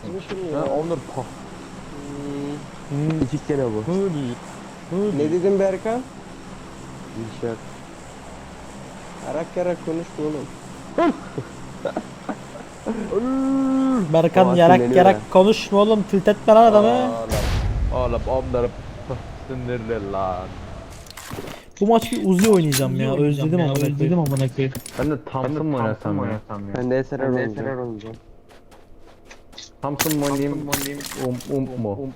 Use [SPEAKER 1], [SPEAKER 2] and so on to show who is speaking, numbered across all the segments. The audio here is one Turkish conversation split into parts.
[SPEAKER 1] Ha, Onur.
[SPEAKER 2] İki kere bu.
[SPEAKER 3] Ne dedin Berkan?
[SPEAKER 2] Bir şey yok.
[SPEAKER 3] Yarak yarak konuşma oğlum.
[SPEAKER 4] Berkan
[SPEAKER 2] O
[SPEAKER 4] yarak
[SPEAKER 2] sinirleniyor
[SPEAKER 4] yarak
[SPEAKER 2] ya.
[SPEAKER 4] konuşma oğlum, tilt etme lan adamı.
[SPEAKER 1] Oğlum onları sinirli lan.
[SPEAKER 4] Bu maç bir Uzi oynayacağım ya, özledim amına koyayım.
[SPEAKER 1] Ben de Thompson mı oynasam ya?
[SPEAKER 2] Ben de SRR oynayacağım.
[SPEAKER 1] Thompson mu oynayayım? Mu?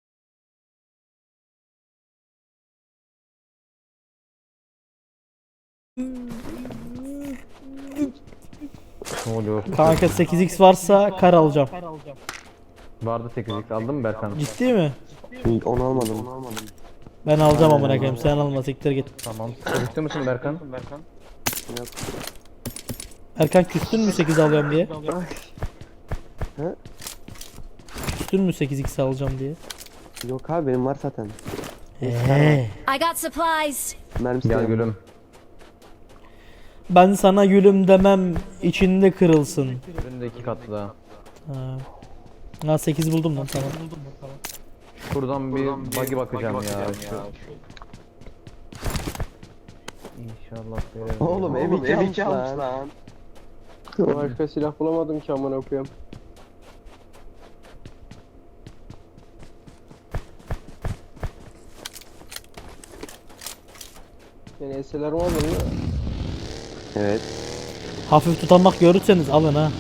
[SPEAKER 1] Ne oluyor?
[SPEAKER 4] Kanka 8x varsa kar alacağım.
[SPEAKER 1] Vardı 8x aldın mı Berkan?
[SPEAKER 4] Ciddi mi?
[SPEAKER 2] Şimdi onu almadım.
[SPEAKER 4] Ben alacağım amına koyayım, sen alma, siktir git.
[SPEAKER 1] Tamam. Küstü müsün Berkan?
[SPEAKER 2] Yok.
[SPEAKER 4] Erkan küstün mü 8 alıyorum diye?
[SPEAKER 2] He?
[SPEAKER 4] Küstün mü 8x alacağım diye?
[SPEAKER 2] Yok abi benim var zaten.
[SPEAKER 5] I got supplies.
[SPEAKER 2] Mermisi
[SPEAKER 1] Gel
[SPEAKER 2] de-
[SPEAKER 1] gülüm.
[SPEAKER 4] Ben sana gülüm demem, içinde kırılsın.
[SPEAKER 1] Önünde 2 katlı daha.
[SPEAKER 4] Ha 8 buldum lan, tamam.
[SPEAKER 1] Şuradan bir buggy bakacağım ya. İnşallah verelim.
[SPEAKER 2] Oğlum M2 almış lan.
[SPEAKER 3] Başka silah bulamadım ki amına koyayım. Yani eseler mi aldın mı?
[SPEAKER 2] Evet.
[SPEAKER 4] Hafif tutanmak görürseniz alın ha.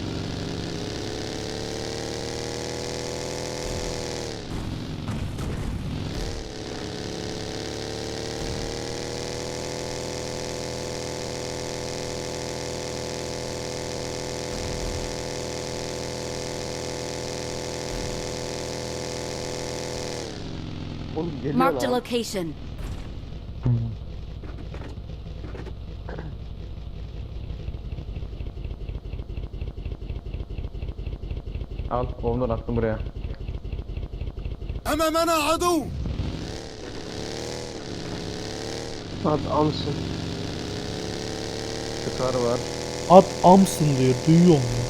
[SPEAKER 2] Oğlum geliyor
[SPEAKER 5] Marked a
[SPEAKER 2] lan.
[SPEAKER 5] location.
[SPEAKER 1] Al, Onur attım buraya.
[SPEAKER 6] أمامنا عدو.
[SPEAKER 3] Hadi amsın.
[SPEAKER 1] Çıkar var.
[SPEAKER 4] At amsın diyor, duyuyor mu?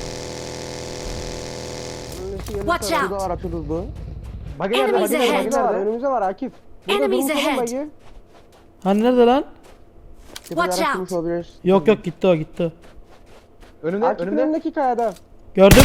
[SPEAKER 5] Watch
[SPEAKER 2] Şurada
[SPEAKER 5] out.
[SPEAKER 2] var atı hızlı.
[SPEAKER 3] Bagi nerede?
[SPEAKER 5] Enemies
[SPEAKER 3] Bagi nerede?
[SPEAKER 5] ahead.
[SPEAKER 3] Bagi nerede? Önümüzde var Akif. Burada
[SPEAKER 5] Enemies
[SPEAKER 3] durmuş oğlum
[SPEAKER 5] ahead.
[SPEAKER 3] Bagi.
[SPEAKER 4] Hani nerede lan?
[SPEAKER 5] Watch
[SPEAKER 2] Tepede
[SPEAKER 5] out.
[SPEAKER 2] araç olabilir.
[SPEAKER 4] Yok yok, gitti o, gitti.
[SPEAKER 1] Önünde,
[SPEAKER 3] Akif'in
[SPEAKER 1] önünde.
[SPEAKER 3] önündeki kayada.
[SPEAKER 4] Gördüm.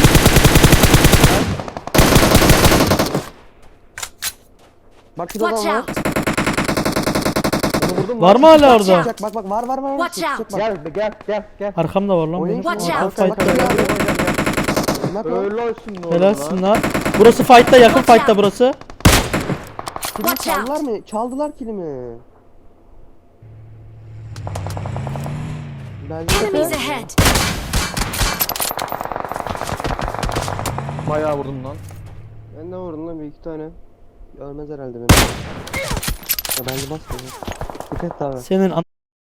[SPEAKER 2] Bak şurada
[SPEAKER 5] Watch
[SPEAKER 2] adam var.
[SPEAKER 5] out.
[SPEAKER 1] Onu vurdum
[SPEAKER 4] Var mı hala
[SPEAKER 5] Watch
[SPEAKER 4] orada?
[SPEAKER 5] out.
[SPEAKER 2] Bak bak var var var.
[SPEAKER 5] Watch out.
[SPEAKER 1] Gel.
[SPEAKER 4] Arkamda var lan
[SPEAKER 2] Oynayın.
[SPEAKER 4] benim.
[SPEAKER 5] Watch out.
[SPEAKER 2] Bak, bak,
[SPEAKER 4] Fight'ta.
[SPEAKER 2] bak, bak.
[SPEAKER 1] Öyle olsun oğlum
[SPEAKER 4] Helalsin
[SPEAKER 1] lan.
[SPEAKER 4] lan. Burası fight'ta, yakın
[SPEAKER 5] Watch
[SPEAKER 4] fight'ta
[SPEAKER 5] out.
[SPEAKER 4] burası.
[SPEAKER 2] Kilimi
[SPEAKER 5] Watch out.
[SPEAKER 2] çaldılar mı? Çaldılar kilimi. Bence
[SPEAKER 5] Enemies ahead.
[SPEAKER 1] Bayağı vurdum lan.
[SPEAKER 3] Ben de vurdum lan bir iki tane.
[SPEAKER 2] Ölmez herhalde beni. Ya bence basmıyor. Dikkat abi.
[SPEAKER 4] Senin an...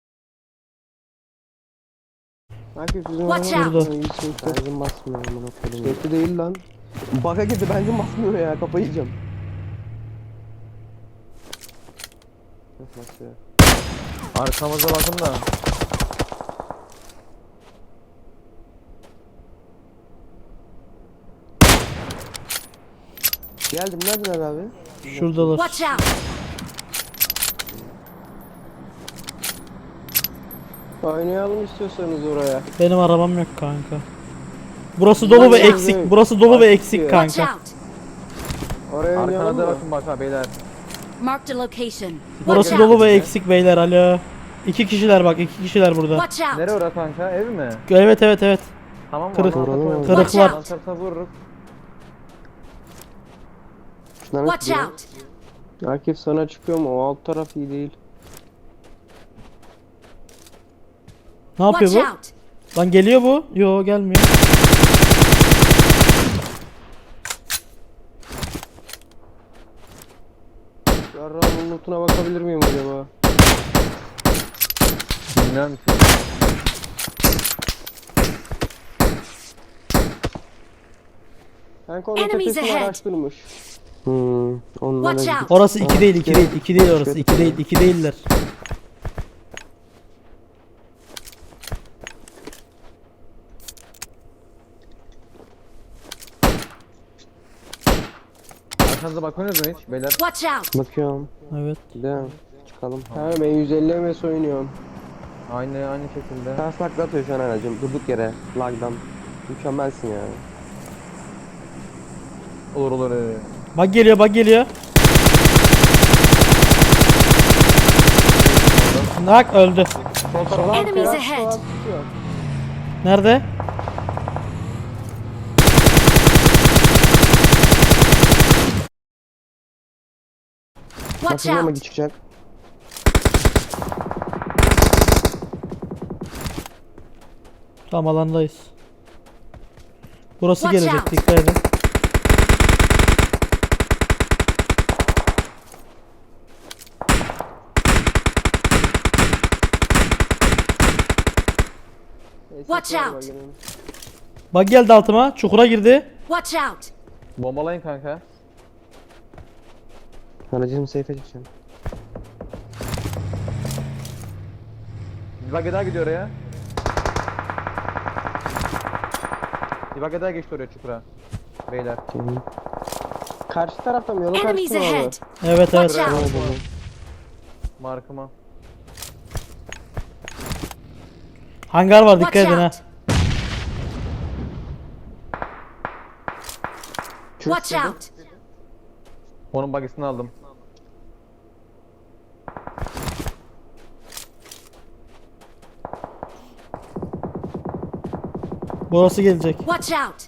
[SPEAKER 3] Akif bizim
[SPEAKER 5] Watch
[SPEAKER 3] araba-
[SPEAKER 4] out.
[SPEAKER 3] İyi, iyi, iyi.
[SPEAKER 2] Benzin basmıyor amına koyayım.
[SPEAKER 3] Sürekli değil lan.
[SPEAKER 2] Baka girdi benzin basmıyor ya, kafayı yiyeceğim. Nasıl basıyor?
[SPEAKER 1] Arkamıza bakın da.
[SPEAKER 2] Geldim, neredeler abi?
[SPEAKER 4] Şuradalar.
[SPEAKER 5] Watch out.
[SPEAKER 3] Oynayalım istiyorsanız oraya.
[SPEAKER 4] Benim arabam yok kanka. Burası dolu ve
[SPEAKER 5] Watch
[SPEAKER 4] eksik. Burası dolu ve eksik
[SPEAKER 5] Watch
[SPEAKER 4] kanka.
[SPEAKER 5] out.
[SPEAKER 3] Oraya oynayalım
[SPEAKER 1] Arkana da
[SPEAKER 3] mı?
[SPEAKER 1] bakın bak ha beyler.
[SPEAKER 5] Marked a location. Watch
[SPEAKER 4] Burası
[SPEAKER 5] out.
[SPEAKER 4] dolu ve eksik beyler, alo. 2 kişiler bak, 2 kişiler burada.
[SPEAKER 5] Watch out.
[SPEAKER 1] Nereye orası kanka? Ev mi?
[SPEAKER 4] Evet evet evet.
[SPEAKER 1] Tamam mı?
[SPEAKER 4] Kırık.
[SPEAKER 5] Watch
[SPEAKER 4] Kırıklar.
[SPEAKER 5] out.
[SPEAKER 1] Sarsa vururuz.
[SPEAKER 2] Şunlar
[SPEAKER 5] Watch
[SPEAKER 2] gidiyor.
[SPEAKER 5] out.
[SPEAKER 3] Akif sana çıkıyor mu? O alt taraf iyi değil.
[SPEAKER 4] Ne yapıyor
[SPEAKER 5] Watch
[SPEAKER 4] bu?
[SPEAKER 5] out.
[SPEAKER 4] Lan geliyor bu. Yo, gelmiyor.
[SPEAKER 3] Yarrağımın lootuna bakabilir miyim acaba?
[SPEAKER 1] Bilmem ki.
[SPEAKER 3] Kanka onun
[SPEAKER 5] Enemies
[SPEAKER 3] tepesini
[SPEAKER 5] ahead.
[SPEAKER 3] araç durmuş.
[SPEAKER 2] Onlara
[SPEAKER 5] Watch
[SPEAKER 2] gidip-
[SPEAKER 5] out.
[SPEAKER 4] Orası 2 değil, 2 değil, 2 değil orası. 2 değil, 2 değiller.
[SPEAKER 1] Arkanıza bakmıyorsunuz mu hiç beyler?
[SPEAKER 5] Watch out!
[SPEAKER 2] Bakıyorum.
[SPEAKER 4] Evet.
[SPEAKER 2] Değil mi? Çıkalım.
[SPEAKER 3] Ha ben 150 MS oynuyorum.
[SPEAKER 1] Aynı şekilde.
[SPEAKER 2] Ters takla atıyor şu an aracım. Durduk yere. Lagdan. Mükemmelsin ya.
[SPEAKER 1] Olur.
[SPEAKER 4] Bak geliyor, bak geliyor. Nak öldü.
[SPEAKER 5] Enemies
[SPEAKER 3] Sola
[SPEAKER 5] ahead!
[SPEAKER 3] tutuyor.
[SPEAKER 4] Nerede?
[SPEAKER 5] Watch
[SPEAKER 2] Bakın ama
[SPEAKER 5] out!
[SPEAKER 2] çıkacak.
[SPEAKER 4] Tam alandayız. Burası
[SPEAKER 5] Watch
[SPEAKER 4] gelecek,
[SPEAKER 5] out.
[SPEAKER 4] dikkat edin.
[SPEAKER 3] SS
[SPEAKER 5] Watch
[SPEAKER 3] var
[SPEAKER 5] out.
[SPEAKER 3] bagenin.
[SPEAKER 4] Bak geldi altıma, çukura girdi.
[SPEAKER 5] Watch out!
[SPEAKER 1] Bombalayın kanka.
[SPEAKER 2] Aracım safe'e çıkacağım.
[SPEAKER 1] Bir bak daha gidiyor oraya. Bir bak daha geçti oraya çukura. Beyler.
[SPEAKER 2] Gelin.
[SPEAKER 3] Karşı tarafta mı? Yolun
[SPEAKER 5] Enemies
[SPEAKER 3] karşısında mı?
[SPEAKER 5] ahead!
[SPEAKER 4] Evet
[SPEAKER 5] Watch
[SPEAKER 4] evet.
[SPEAKER 5] out!
[SPEAKER 1] Markıma.
[SPEAKER 4] Hangar var, dikkat
[SPEAKER 5] Watch
[SPEAKER 4] edin ha.
[SPEAKER 5] out! Watch out!
[SPEAKER 1] Onun bagisini aldım.
[SPEAKER 4] Burası gelecek.
[SPEAKER 5] Watch out!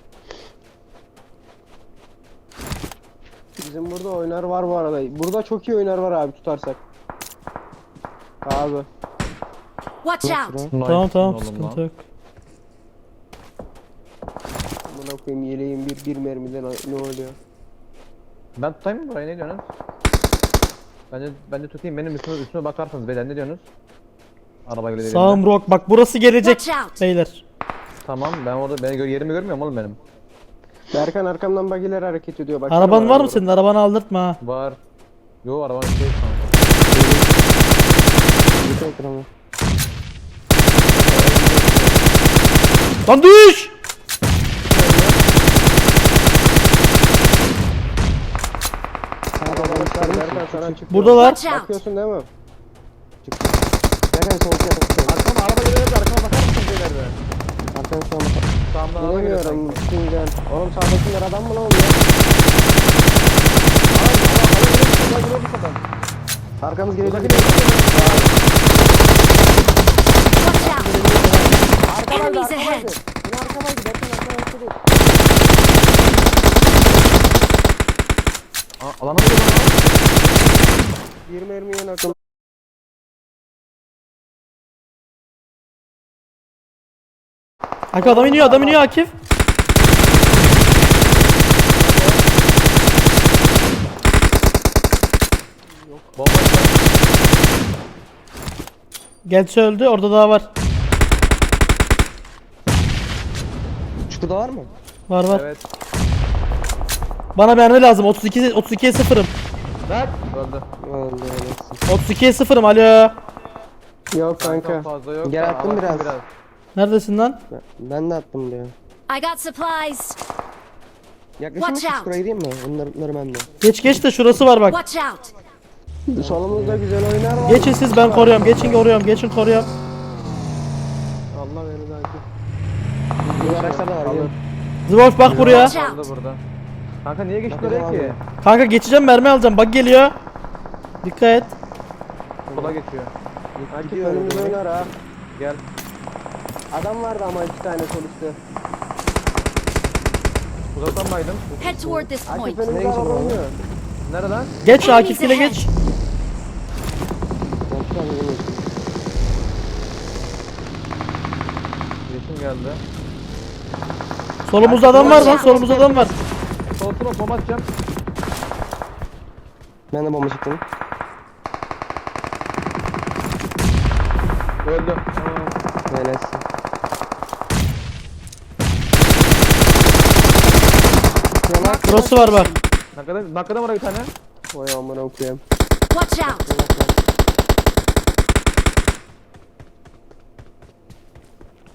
[SPEAKER 3] Bizim burada oynar var bu arada. Burada çok iyi oynar var abi tutarsak. Abi.
[SPEAKER 5] Watch out!
[SPEAKER 1] Nice
[SPEAKER 4] Tamam
[SPEAKER 1] oğlum
[SPEAKER 4] sıkıntı
[SPEAKER 1] lan.
[SPEAKER 4] yok.
[SPEAKER 3] Buna koyayım yeleğim bir mermiden ne oluyor?
[SPEAKER 1] Ben tutayım mı burayı, ne diyorsunuz? Bence tutayım, benim üstüme bakarsınız beyler, ne diyorsunuz? Araba geliyor.
[SPEAKER 4] Sağım rock, bak burası gelecek
[SPEAKER 5] Watch out!
[SPEAKER 4] beyler.
[SPEAKER 1] Tamam, ben orada yerimi görmüyorum oğlum benim.
[SPEAKER 3] Berkan arkamdan bagiler hareket ediyor. Bak.
[SPEAKER 4] Araban var mı senin? Arabanı aldırtma ha.
[SPEAKER 1] Var. Yo, arabanın şey kanka.
[SPEAKER 2] Bir ekranı.
[SPEAKER 4] Lan düş!
[SPEAKER 3] Berkan sana çıkıyor.
[SPEAKER 4] Buradalar.
[SPEAKER 5] Watch out!
[SPEAKER 3] Bakıyorsun değil mi?
[SPEAKER 2] Berkan sol tarafa.
[SPEAKER 1] Arkama araba geliyor, arkama bakar mısın beyler be?
[SPEAKER 2] Arkadan şu an bak.
[SPEAKER 1] Sağımdan araba geliyor
[SPEAKER 3] Bilemiyorum.
[SPEAKER 1] sanki.
[SPEAKER 3] Şimdiden. Oğlum sağdakiler adam mı lan oluyor?
[SPEAKER 2] Arkamız gelecek.
[SPEAKER 5] Watch out! Enemies ahead!
[SPEAKER 3] Yine arkamaydı. Berkan arkamaydı değil.
[SPEAKER 1] Alana mı geliyor lan?
[SPEAKER 3] 20 mermiye nakım.
[SPEAKER 4] Akif adam iniyor Akif.
[SPEAKER 1] Bomba
[SPEAKER 4] Gelsi öldü, orada daha var.
[SPEAKER 2] Çukurda var mı?
[SPEAKER 4] Var.
[SPEAKER 1] Evet.
[SPEAKER 4] Bana mermi lazım. 32'ye 0'ım.
[SPEAKER 1] Bak. Öldü.
[SPEAKER 2] Öldü öylesin.
[SPEAKER 4] 32'ye 0'ım. Alo.
[SPEAKER 3] Yok
[SPEAKER 1] Kanka
[SPEAKER 3] kanka.
[SPEAKER 1] fazla yok.
[SPEAKER 2] Gel,
[SPEAKER 1] da
[SPEAKER 2] attım
[SPEAKER 1] abarttım
[SPEAKER 2] biraz.
[SPEAKER 4] Neredesin lan?
[SPEAKER 2] Ben de attım diyor.
[SPEAKER 5] I got supplies!
[SPEAKER 2] Yaklaşayım mı?
[SPEAKER 5] Watch out.
[SPEAKER 2] Çukura gireyim mi? Onları bende.
[SPEAKER 4] Geç de şurası var bak.
[SPEAKER 5] Watch out!
[SPEAKER 3] Solumuzda güzel oynar var.
[SPEAKER 4] Geçin siz, ben koruyorum. Geçin koruyorum.
[SPEAKER 3] Allah beni belki.
[SPEAKER 2] Bu araçlar da var. Gelin.
[SPEAKER 4] Zıboş bak buraya.
[SPEAKER 5] Watch
[SPEAKER 1] Öldü
[SPEAKER 5] out!
[SPEAKER 1] burada. Kanka niye geçti
[SPEAKER 2] Bakacağım
[SPEAKER 1] oraya ki?
[SPEAKER 2] abi.
[SPEAKER 4] Kanka geçeceğim, mermi alacağım. Bak geliyor. Dikkat et.
[SPEAKER 1] Sola geçiyor.
[SPEAKER 3] Akif
[SPEAKER 2] Gidiyor
[SPEAKER 3] önümüzde
[SPEAKER 2] öyle.
[SPEAKER 3] oynar ha.
[SPEAKER 1] Gel.
[SPEAKER 3] Adam vardı ama 2 tane sol üstte.
[SPEAKER 1] Uzaktan baydım.
[SPEAKER 5] Head toward this
[SPEAKER 3] Akif
[SPEAKER 5] point.
[SPEAKER 3] önümüzde
[SPEAKER 2] Nereye
[SPEAKER 3] araba
[SPEAKER 2] gidiyorsun
[SPEAKER 3] oynuyor.
[SPEAKER 1] Nerede lan?
[SPEAKER 4] Geç Akif ile geç.
[SPEAKER 2] Ben şu an yemin
[SPEAKER 1] Yeşim geldi.
[SPEAKER 4] Solumuzda adam var lan. Solumuzda adam var.
[SPEAKER 1] Sol smoke bomba atacağım.
[SPEAKER 2] Ben de bomba çıktım.
[SPEAKER 1] Öldü.
[SPEAKER 2] Helalsin.
[SPEAKER 4] Burası var bak.
[SPEAKER 1] Nakada var bir tane.
[SPEAKER 3] Vay amına okuyayım.
[SPEAKER 5] Watch out!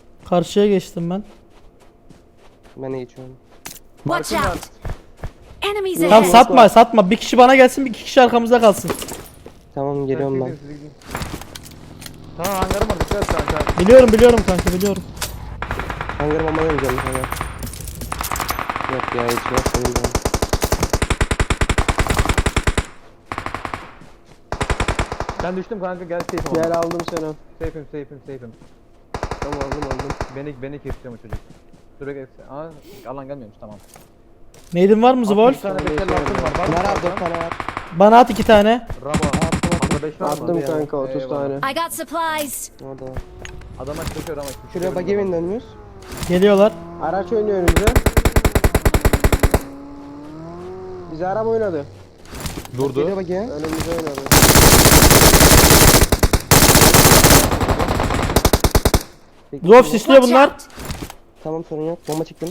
[SPEAKER 4] Karşıya geçtim ben.
[SPEAKER 2] Ben iyi içiyorum.
[SPEAKER 5] Watch
[SPEAKER 1] Markım var.
[SPEAKER 5] out! Enemies
[SPEAKER 4] Tamam
[SPEAKER 5] ahead!
[SPEAKER 4] satma satma. Bir kişi bana gelsin, bir iki kişi arkamızda kalsın.
[SPEAKER 2] Tamam geliyorum ben.
[SPEAKER 1] Siz gidin. Tamam hangarım var dikkat et kanka.
[SPEAKER 4] Biliyorum kanka biliyorum.
[SPEAKER 2] Hangarı bomba oynayacağım sana. Yok ya hiç yok benim ben.
[SPEAKER 1] Ben düştüm kanka gel safe'im.
[SPEAKER 3] Gel aldım seni.
[SPEAKER 1] Safe'im.
[SPEAKER 3] Tamam aldım.
[SPEAKER 1] Beni kesiyor çocuk. Dur bekle. Aa alan gelmiyormuş tamam.
[SPEAKER 4] Neydin var mı
[SPEAKER 1] Bir
[SPEAKER 4] Zvolf?
[SPEAKER 1] tane bekle altın var. Var mı?
[SPEAKER 2] Var abi 4 tane var.
[SPEAKER 4] Bana at 2 tane.
[SPEAKER 1] Rabo. Hatta 5 var mı?
[SPEAKER 3] Attım kanka 30
[SPEAKER 1] Eyvallah.
[SPEAKER 3] tane.
[SPEAKER 5] I got supplies!
[SPEAKER 2] Orada var.
[SPEAKER 1] Adama çıkıyor ama.
[SPEAKER 2] Şuraya buggy evin dönmüyoruz.
[SPEAKER 4] Geliyorlar.
[SPEAKER 3] Araç oynuyor önümüze. Bize araba oynadı.
[SPEAKER 1] Durdu.
[SPEAKER 2] Geliyor buggy.
[SPEAKER 3] Önümüze oynadı.
[SPEAKER 4] Zvolf sisliyor
[SPEAKER 5] Watch
[SPEAKER 4] bunlar.
[SPEAKER 5] out!
[SPEAKER 2] Tamam sorun yok. Bomba çıktım.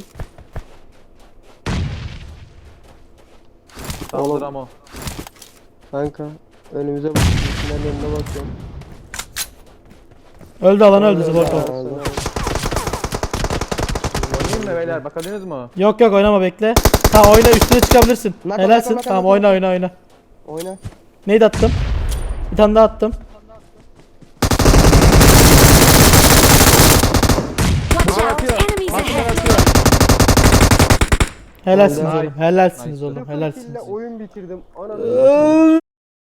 [SPEAKER 1] Tamamdır Ramo.
[SPEAKER 3] Kanka önümüze bakıyorum. Ben önüne bakıyorum.
[SPEAKER 4] Öldü alan öldü Zvolf.
[SPEAKER 2] Öldü.
[SPEAKER 1] Oynayayım mı beyler bakabildiniz mi?
[SPEAKER 4] Yok oynama bekle. Tamam oyna üstüne çıkabilirsin.
[SPEAKER 2] Nak,
[SPEAKER 4] Helalsin.
[SPEAKER 2] nak,
[SPEAKER 4] Tamam
[SPEAKER 2] nak,
[SPEAKER 4] oyna.
[SPEAKER 2] Oyna.
[SPEAKER 4] Neydi attım? Bir tane daha attım.
[SPEAKER 5] Watch out! Enemies ahead!
[SPEAKER 4] Helalsiniz
[SPEAKER 1] Nice.
[SPEAKER 4] oğlum. Helalsiniz
[SPEAKER 1] Nice.
[SPEAKER 4] oğlum. Helalsiniz.
[SPEAKER 3] Kille oyun bitirdim. Ananı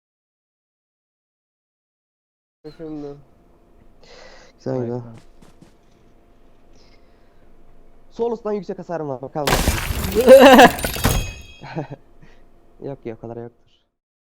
[SPEAKER 3] şimdi.
[SPEAKER 2] Güzel güzel. Solus'tan yüksek hasarım var bakalım. Yok o kadar yok.